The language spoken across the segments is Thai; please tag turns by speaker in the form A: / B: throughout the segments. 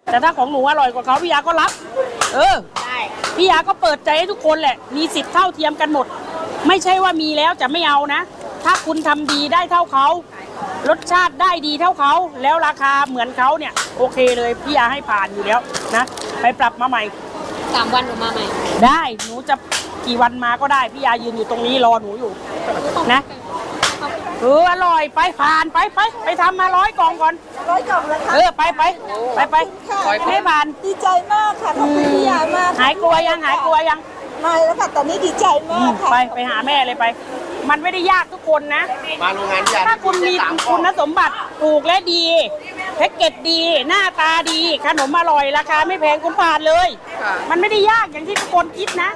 A: แต่ถ้าของหนูอร่อยกว่าเขาพี่ยาก็รับได้พี่ยาก็เปิดใจให้ทุกคนแหละมีสิทธิ์เท่าเทียมกันหมดไม่ใช่ว่ามีแล้วจะไม่เอานะถ้าคุณทำดีได้เท่าเขารสชาติได้ดีเท่าเขาแล้วราคาเหมือนเขาเนี่ยโอเคเลยพี่ยาให้ผ่านอยู่แล้วนะไปปรับมาใหม่
B: 3 วันหนูมาใหม่
A: ได้หนูจะกี่วันมาก็ได้พี่ยายืนอยู่ตรงนี้รอหนูอยู่นะอร่อยไปผ่านไปทำมา100 กล่องก่อน
C: 100 กล่องแล้วค่ะ
A: ไปให้ผ่าน
C: ดีใจมากค่ะขอบคุณพี่ยามาก
A: หายกลัวยังไม่
C: แล้วค่ะตอนนี้ดีใจมากค่ะ
A: ไปหาแม่เลยไปมันไม่ได้ยากทุกคนนะ
D: มาโรงงานพี่ยา
A: ถ้าคุณมีคุณสมบัติถูกและดีแพ็กเกจดีหน้าตาดีขนมอร่อยราคาไม่แพงคุณผ่านเลยมันไม่ได้ยากอย่างที่ทุกคนคิดนะ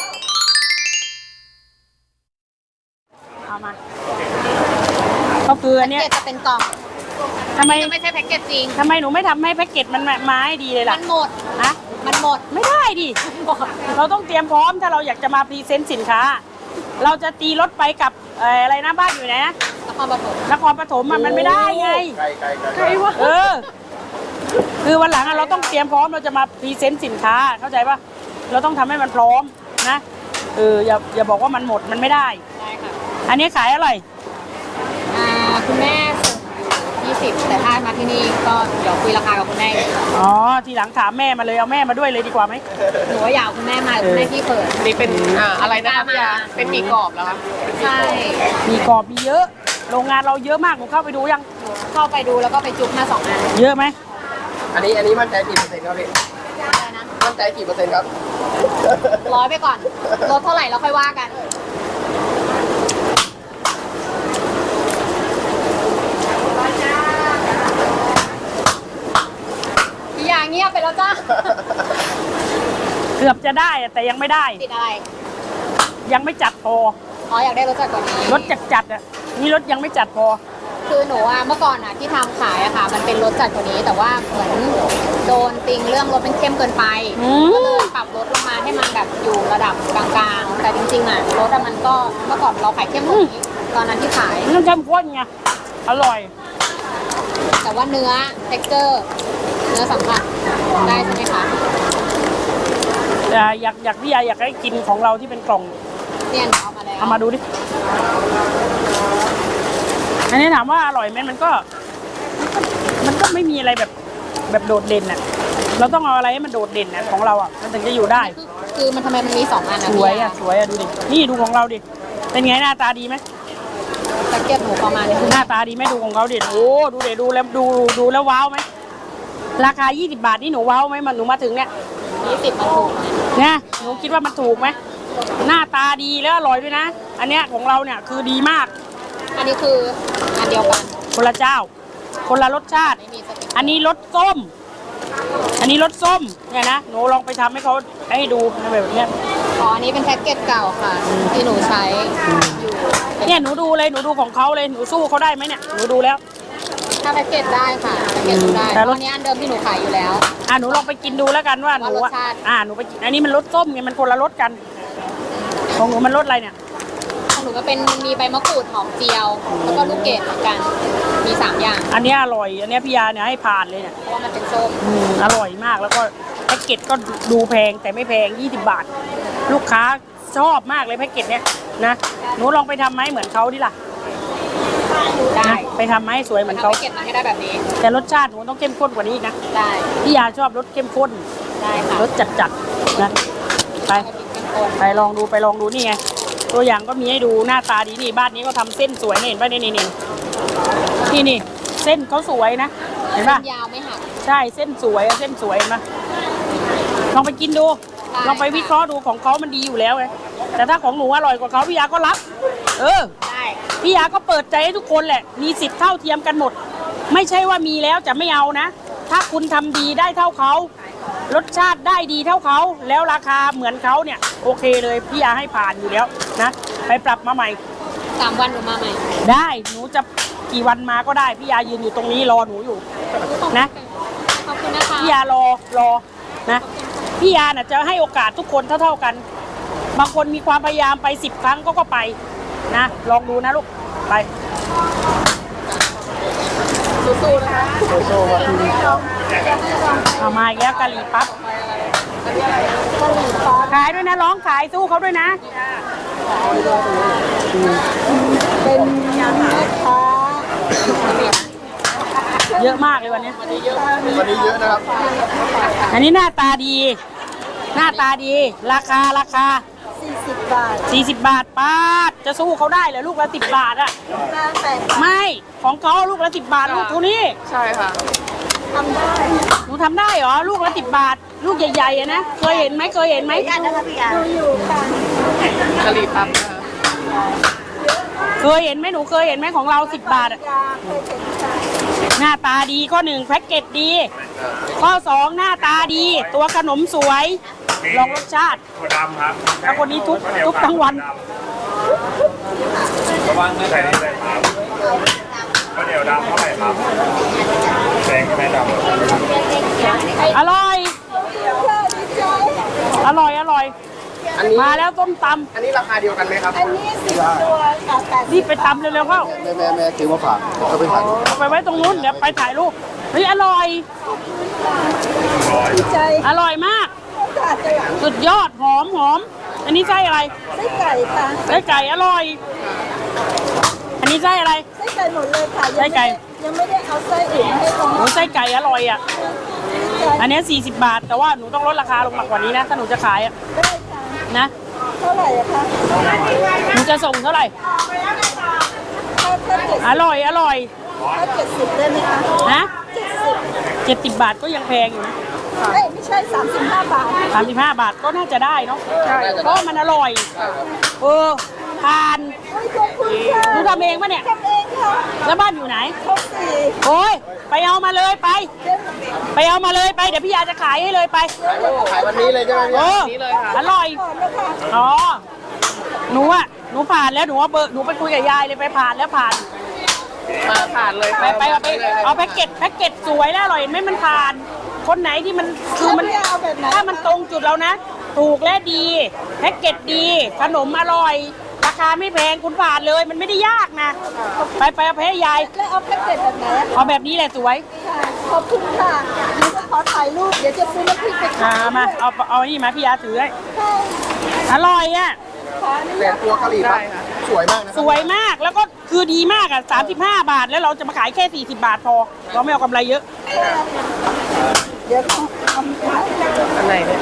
A: เอามาก็คืออันนี้
B: จะเป็นกล่อง
A: ทำไม
B: ไม่ใช่แพ็กเกจจริง
A: ทำไมหนูไม่ทำให้แพ็กเกจมันมาให้ดีเลยล่ะ
B: มันหมดมันหมด
A: ไม่ได้ดิเราต้องเตรียมพร้อมถ้าเราอยากจะมาพรีเซนต์สินค้าเราจะตีรถไปกับอะไรนะบ้านอยู่ไหนนะนครปฐมมันไม่ได้ไง
D: ไกล
A: วะคือวันหลังเราต้องเตรียมพร้อมเราจะมาพรีเซนต์สินค้าเข้าใจปะเราต้องทำให้มันพร้อมนะอย่าบอกว่ามันหมดมันไม่ได้
B: ค่ะ
A: อันนี้ขายอะไร
B: คุณแม่20แต่ถ้ามาที่นี่ก็เดี๋ยวคุยราคากับคุณแม่
A: ทีหลังถามแม่มาเลยเอาแม่มาด้วยเลยดีกว่าไหม
B: หนูอยากคุณแม่มาคุณแม่ที่เปิด
D: นี่เป็นอะไรนะคะพี่ยาเป็นหมี่กรอบเหรอคะ
B: ใช่
A: หมี่กรอบมีเยอะโรงงานเราเยอะมากหนูเข้าไปดูยัง
B: เข้าไปดูแล้วก็ไปจุ๊บมา2 อัน
A: เยอะไหม
D: อันนี้มั่นใจกี่เปอร์เซ็นต์ครับพี่มั่นใจกี่เปอร์เซ็นต์ครับ
B: 100ไปก่อนลดเท่าไหร่แล้วค่อยว่ากันเงียบไปแล้วจ้า
A: เกือบจะได้แต่ยังไม่ได้
B: ติดอะไร
A: ยังไม่จัดพอ
B: อยากได้รสจัดกว่านี้
A: รสจัดนี่รสยังไม่จัดพอ
B: คือหนูเมื่อก่อนที่ทำขายค่ะมันเป็นรสจัดกว่านี้แต่ว่าเหมือนโดนติงเรื่องรสเป็นเข้มเกินไปก็เลยปรับรสลงมาให้มันแบบอยู่ระดับกลางๆแต่จริงๆรสมันก็เมื่อก่อนเราขายเข้มกว่านี้ตอนนั้นที่ขาย
A: มันเข้มข้นไงอร่อย
B: แต่ว่าเนื้อ texture เนื้อสัมผัสได้ใช่ไหมคะ
A: อยากพี่ยาอยากให้กินของเราที่เป็นกล่อง
B: เนี่ยเอามาแล้ว
A: เอามาดูดิอันนี้ถามว่าอร่อยไหมมันก็ไม่มีอะไรแบบโดดเด่นน่ะเราต้องเอาอะไรให้มันโดดเด่นน่ะของเรามันถึงจะอยู่ได้
B: คือมันทำไมมันมี2 อัน
A: สวยดูดินี่ดูของเราดิเป็นไงหน้าตาดีไหม
B: ตะเกียบหมูประมาณนี้
A: หน้าตาดีไหมดูของเขาดิโอ้ดูเดี๋ยวดูแล้วว้าวไหมราคา20 บาทนี่หนูว้าวไหมมันหนูมาถึงเนี่ย
B: 20มันถูก
A: เนี่ยหนูคิดว่ามันถูกไหมหน้าตาดีแล้วอร่อยด้วยนะอันเนี้ยของเราเนี่ยคือดีมาก
B: อันนี้คืออันเดียวกัน
A: คนละเจ้าคนละรสชาติอันนี้รสส้มเนี่ยนะหนูลองไปทำให้เขาให้ดูแบบเนี้ย
B: อันนี้เป็นแพ็กเกจเก่าค่ะที่หนูใช้อยู่
A: เนี่ยหนูดูของเขาเลยหนูสู้เขาได้ไหมเนี่ยหนูดูแล้ว
B: ถ้าแพ็กเกจได้ค่ะแพ็กเกจได้แต่รสนี้อันเดิมที่หนูขายอยู่แล้ว
A: หนูลองไปกินดูแล้วกันว่าหนูหนูไปกินอันนี้มันรสส้มไงมันคนละรสกันของหนูมันรสอะไรเนี่ย
B: ของหนูก็เป็นมีใบมะกรูดหอมเจียวแล้วก็ลูกเกดเหมือนกันมี3 อย่าง
A: อันนี้อร่อยอันนี้พี่ยาเนี่ยให้ผ่านเลยเนี่ย
B: เพราะว่ามันเป็นส้ม
A: อร่อยมากแล้วก็แพ็กเกจก็ดูแพงแต่ไม่แพง20 บาทลูกค้าชอบมากเลยแพ็กเกจเนี้ยนะหนูลองไปทำไหมเหมือนเขาดิล่ะ
B: ได้
A: ไปทำให้สวยเหมือนเขา
B: เก็บมาให้ได้แบบนี้
A: แต่รสชาติหนูต้องเข้มข้นกว่านี้อีกนะ
B: ได้
A: พี่ยาชอบรสเข้มข้น
B: ได้ค่ะ
A: รสจัดนะไปลองดูนี่ไงตัวอย่างก็มีให้ดูหน้าตาดีนี่บ้านนี้ก็ทำเส้นสวยเห็นป่ะนี่เส้นเขาสวยนะเห็นป่ะ
B: ยาวไม่หัก
A: ใช่เส้นสวยนะลองไปกินดูลองไปวิเคราะห์ดูของเขามันดีอยู่แล้วไงแต่ถ้าของหนูอร่อยกว่าเขาพี่ยาก็รับ
B: ได้
A: พี่ยาก็เปิดใจให้ทุกคนแหละมีสิทธิ์เท่าเทียมกันหมดไม่ใช่ว่ามีแล้วจะไม่เอานะถ้าคุณทำดีได้เท่าเขารสชาติได้ดีเท่าเขาแล้วราคาเหมือนเขาเนี่ยโอเคเลยพี่ยาให้ผ่านอยู่แล้วนะไปปรับมาใหม่
B: 3 วันหนูมาใหม่
A: ได้หนูจะกี่วันมาก็ได้พี่ยายืนอยู่ตรงนี้รอหนูอยู่นะ
B: ขอบคุณนะคะ
A: พี่ยารอนะพี่ยาน่ะจะให้โอกาสทุกคนเท่ากันบางคนมีความพยายามไป10 ครั้งก็ไปนะลองดูนะลูกไป
B: สู้ๆนะคะ
D: สู้ๆ
A: เอามาอีกแล้วกะหรี่ปั๊บขายด้วยนะร้องขายสู้เขาด้วยนะ
C: เป็นแม่ค้า
A: เยอะมากเลยวันนี้
D: วันนี้เยอะนะครับ
A: อันนี้หน้าตาดี หน้าตาดี ราคา
C: 40 บาท
A: 40 บาทป้าดจะสู้เขาได้เหรอลูกละ10 บาทอะ
C: 58
A: ไม่ของเขาลูกละ10 บาทลูกเท่านี้
D: ใช่ค่ะ
C: ทำได้
A: หนูทำได้เหรอลูกละ10 บาท ลูกใหญ่ๆอะนะเคยเห็นไหมเคยเห็นไหม
C: ดูอยู่ค่ะ
D: กะหรี่ปั๊บนะคะ
A: เคยเห็นไหมหนูเคยเห็นไหมของเรา10 บาทอะ
C: ยาเคยเห็นค่ะ
A: หน้าตาดีข้อ1แพ็กเกจดี ข้อ2หน้าตาดี ตัวขนมสวยลองรสชาติ
E: ถั่วดำครับ
A: แล้วคนนี้ทุกทั้งวัน
E: ระวังนะใส่นี่ใส่ครับข้าวเหนียวดำเท่าไหร่ครับแดงไม่ดำ
A: อร่อย อร่อยอร่อย
D: อันนี้
A: มาแล้วต้มต
D: อันนี้ราคาเดียวกันไหมครับ
C: อันนี้10 ตัวค่ะ
A: ำรีบไปตำเร็วๆเข้า
D: แม่ซื้อมาฝากก็ไปฝาก
A: เอาไปไว้ตรงนู้นเดี๋ยวไปถ่ายรูปเฮ้ยอร่อย
C: ดีใจ
A: อร่อยมาก
C: ค่ะจะหลัง
A: สุดยอดหอมหอม อันนี้ไส้อะไร
C: ไส้ไก่ค่ะ
A: ไส้ไก่อร่อย อันนี้ไส้อะไร
C: ไส้ไก่หมดเลยค่ะ
A: ไส้ไก่
C: ยังไม่ได้เอาไส้อื่นให้เขา
A: หนูไส้ไก่อร่อยอ่ะ อันนี้40 บาท แต่ว่าหนูต้องลดราคาลงมากกว่านี้นะ ถ้าหนูจะขายอ่ะ
C: ได้ค่ะ
A: นะ
C: เท่าไหร่อะคะ
A: หนูจะส่งเท่าไหร่
C: ถ้า
A: อร่อยอร่อย
C: 70ได้ไหมคะ
A: นะ
C: 70
A: 70 บาทก็ยังแพงอยู่นะ
C: เอ้ยไม่ใช่35 บาท
A: 35 บาทก็น่าจะได้เนาะเพราะมันอร่อย เออทาน
C: โอ้ยขอบคุณค่ะ
A: หนูทำเองปะเนี่ย
C: ทำเองค่ะ
A: แล้วบ้านอยู่ไหน
C: ครบ4
A: โอ้ยไปเอามาเลยไป
C: เดี๋ยว
A: ไปเอามาเลยไปเดี๋ยวพี่ยาจะขายให้เลยไป
D: ขายวันนี้เลยใช่ไหมพี่
A: โอ้อร่อย
C: ก่อนนะคะ
A: อ๋อหนูผ่านแล้วหนูว่าเบอร์หนูไปคุยกับยายเลยไปผ่านแล้วผ่าน
D: มาผ่านเลย
A: ไปเอาแพ็กเกจสวยแล้วอร่อยเห็นไหมมันผ่าน คนไหนที่มันคือมัน
C: แล้วพี่เอาแบบไหน
A: ถ้ามันตรงจุดเรานะ ถูกและดีแพ็กเกจดีขนมอร่อย ราคาไม่แพงคุณผ่านเลยมันไม่ได้ยากนะ ไปเอาไปให้ยาย
C: แล้วเอาแพ็กเกจแบบไหนอะ
A: เอาแบบนี้แหละสวย
C: ค่ะขอบคุณค่ะเดี๋ยวจะขอถ่ายรูปเดี๋ยวจะซื้อน้ำพริกไป
A: อ่า
C: ขาย
A: มาเอานี่มาพี่ยาถือให้
C: ค่ะ
A: อร่อยอ่ะ
C: ขออนุ
D: แต่
C: ญาต
D: ตัวกะหรี่ปั๊บสวยมากนะ
A: สวยมากแล้วก็คือดีมากอ่ะ35 บาทแล้วเราจะมาขายแค่40 บาทพอเราไม่เอากำไรเยอะ
C: เดี๋ยวต้องทำค่ะ
D: อันไหนเนี่ย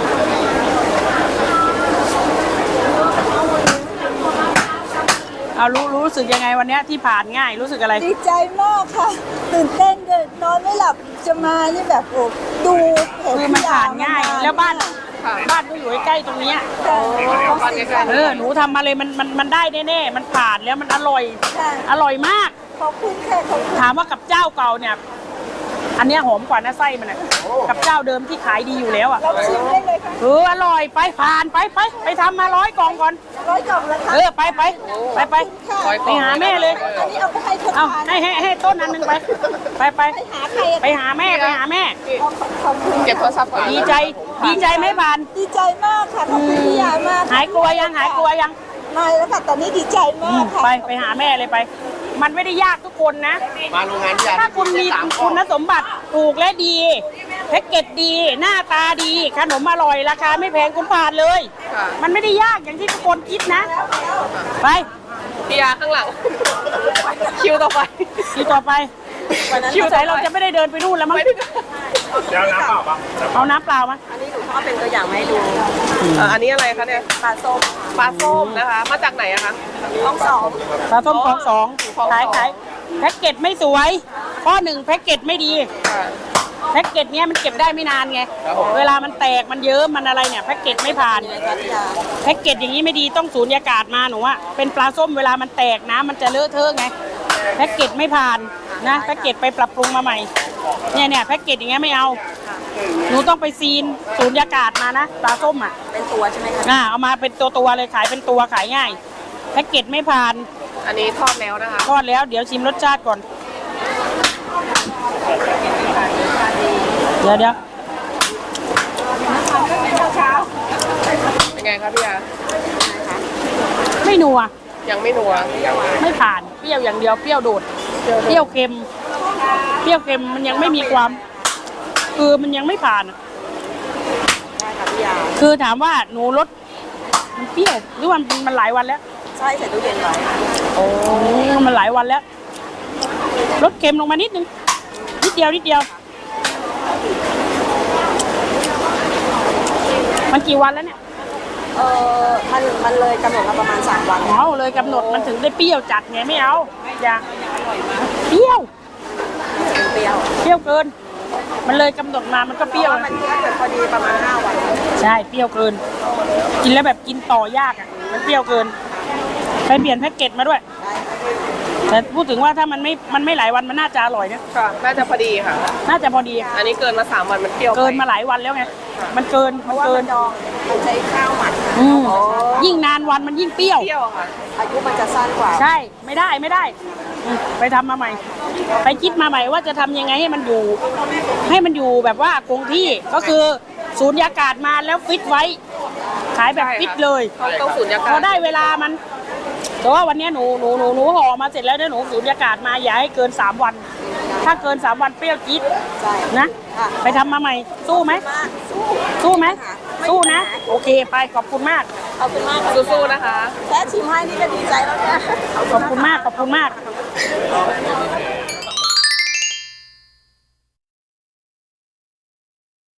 A: เอารู้สึกยังไงวันเนี้ยที่ผ่านง่ายรู้สึกอะไร
C: ดีใจมากค่ะ ตื่นเต้นเลยนอนไม่หลับจะมานี่แบบโอ้ดูเพจ
A: คือมันผ่านง่าย แล้วบ้านก็อยู่ใกล้ๆตรงเนี้ย
C: ค่ะ
A: หนูทำมาเลยมันได้แน่ๆมันผ่านแล้วมันอร่อย
C: ค่ะ
A: อร่อยมาก
C: ขอบคุณค่ะขอบคุณ
A: ถามว่ากับเจ้าเก่าเนี่ย อันเนี้ยหอมกว่านะไส้มันอ่ะกับเจ้าเดิมที่ขายดีอยู่แล้วอ่ะ
C: เราชิมได้เลยค่ะ
A: อร่อยไปผ่านไปทำมา100 กล่องก่อน
C: 100 กล่องแล้วค่ะ
A: ไปไปหาแม่เลย
C: อันนี้เอาไปให้คน
A: เอา
C: ทาน
A: ให้ต้นอันหนึงไป
C: ไปหาใครอะ
A: ไปหาแม่
C: ขอบคุณ
D: เก็บโทรศัพท์ก่อน
A: ดีใจไหมผ่าน
C: ดีใจมากค่ะขอบคุณพี่ยามาก
A: หายกลัวยัง
C: ไม่แล้วค่ะตอนนี้ดีใจมากค่ะ
A: ไปหาแม่เลยไป มันไม่ได้ยากทุกคนนะ
D: มาโรงงานพี่ยา
A: ถ้าคุณมีคุณสมบัติถูกและดีแพ็กเกจดี หน้าตาดี ขนมอร่อย ราคาไม่แพงคุณผ่านเลย มันไม่ได้ยากอย่างที่ทุกคนคิดนะ ไป
D: พี่ยาข้างหลัง คิวต่อไป
A: คิวต่อไปคิวไหนเราจะไม่ได้เดินไปนู่นแล้วมั้ง
E: เดี๋ยวน้ำเปล่าปะ
A: เอาน้ำเปล่ามา
B: อันนี้หนูชอบเป็นตัวอย่างมาให้ดู
D: อันนี้อะไรคะเนี่ย
B: ปลาส้ม
D: ปลาส้มนะคะ มาจากไหนอะคะ
B: ต้องสอง
A: ปลาส้มของสอง
D: ของสอง
A: ขายแพ็กเกจไม่สวย ข้อหนึ่งแพ็กเกจไม่ดี
D: ค่ะ
A: แพ็กเกจเนี้ยมันเก็บได้ไม่นานไง
D: ครับผม
A: เวลามันแตกมันเยิ้มมันอะไรเนี่ยแพ็กเกจไม่ผ่าน แพ็กเกจอย่างนี้ไม่ดีต้องสูญญากาศมาหนูว่าเป็นปลาส้มเวลามันแตกน้ำมันจะเลอะเทอะไง แพ็กเกจไม่ผ่านนะแพ็กเกจไปปรับปรุงมาใหม่ เนี่ยแพ็กเกจอย่างเงี้ยไม่เอา หนูต้องไปซีนสูญญากาศมานะปลาส้มอ่ะ
B: เป็นตัวใช่ไหมคะ
A: เอามาเป็นตัวเลยขายเป็นตัวขายง่าย แพ็กเกจไม่ผ่าน
D: อันนี้ทอดแล้วนะคะ
A: ทอดแล้วเดี๋ยวชิมรสชาติก่อน เดี๋ยว
D: เป็นไงคะพี่ยา
A: ไม่นัว
D: ยังไม่นัว
A: ไม่ผ่านเปรี้ยวอย่างเดียวเปรี้ยวโดดเปรี้ยวเค็มมันยังไม่มีความคือมันยังไม่ผ่านอะ
C: ใช่ค่ะพี่ยา
A: คือถามว่าหนูลดมันเปรี้ยวหรือว่ามันหลายวันแล้ว
C: ใช่ใส่ตู้เย็นไว้
A: โอ้มันหลายวันแล้วลดเค็มลงมานิดนึงนิดเดียวนิดเดียวมันกี่วันแล้วเนี่ย
C: มันเลยกำหนดมาประมาณ3 วัน
A: เอาเลยกำหนดมันถึงได้เปรี้ยวจัดไงไม่เอาอย่าเปรี้ยว
C: เปรี้ยว
A: เปรี้ยวเกิน มันเลยกำหนดมามันก็เปรี้ยว
C: มันถ้าเกิดพอดีประมาณ5 วัน
A: ใช่เปรี้ยวเกิน กินแล้วแบบกินต่อยากอ่ะมันเปรี้ยวเกินไปเปลี่ยนแพ็กเกจมาด้วย แต่พูดถึงว่าถ้ามันไม่หลายวันมันน่าจะอร่อยนะ
D: ค่ะ น่าจะพอดีค่ะ
A: น่าจะพอดี
D: อันนี้เกินมา3 วันมันเปรี้ยวไป
A: เกินมาหลายวันแล้วไงมันเกิน
C: เพ
A: มัน
C: ราะว่า
A: เกิ
C: มัน นดองมันใช้ข้าวหมัก
A: อืมยิ่งนานวันมันยิ่งเปรี้ยว
D: เปรี้ยวค่ะ
C: อายุมันจะสั้นกว่า
A: ใช่ไม่ได้ไปทำมาใหม่ ไปคิดมาใหม่ว่าจะทำยังไงให้มันอยู่แบบว่าคงที่ก็คือสูญญากาศมาแล้วฟิตไว้ ขายแบบฟิตเลย
D: ต้องสูญญา
A: พ
D: กา
A: อ
D: ศ
A: ได้เวลามันแต่ว่าวันนี้หนูห่อมาเสร็จแล้วเนี่ยหนูสูญญากาศมาอย่าให้เกิน3 วัน ถ้าเกิน3 วันเปรี้ยวจี๊ด
C: ใช่
A: นะ
C: ค่ะ
A: ไปทำมาใหม่สู้ไหม
C: มากสู้
A: สู้ไหม
C: ไม่
A: สู้นะ
C: ไม่
A: โอเคไปขอบคุณมาก
C: ขอบคุณมาก
D: สู้ๆนะคะ
C: แค่ชิมให้นี่ก็ดีใจแล้วเนี่ย
A: ขอบคุณมากขอบคุณมาก
C: ข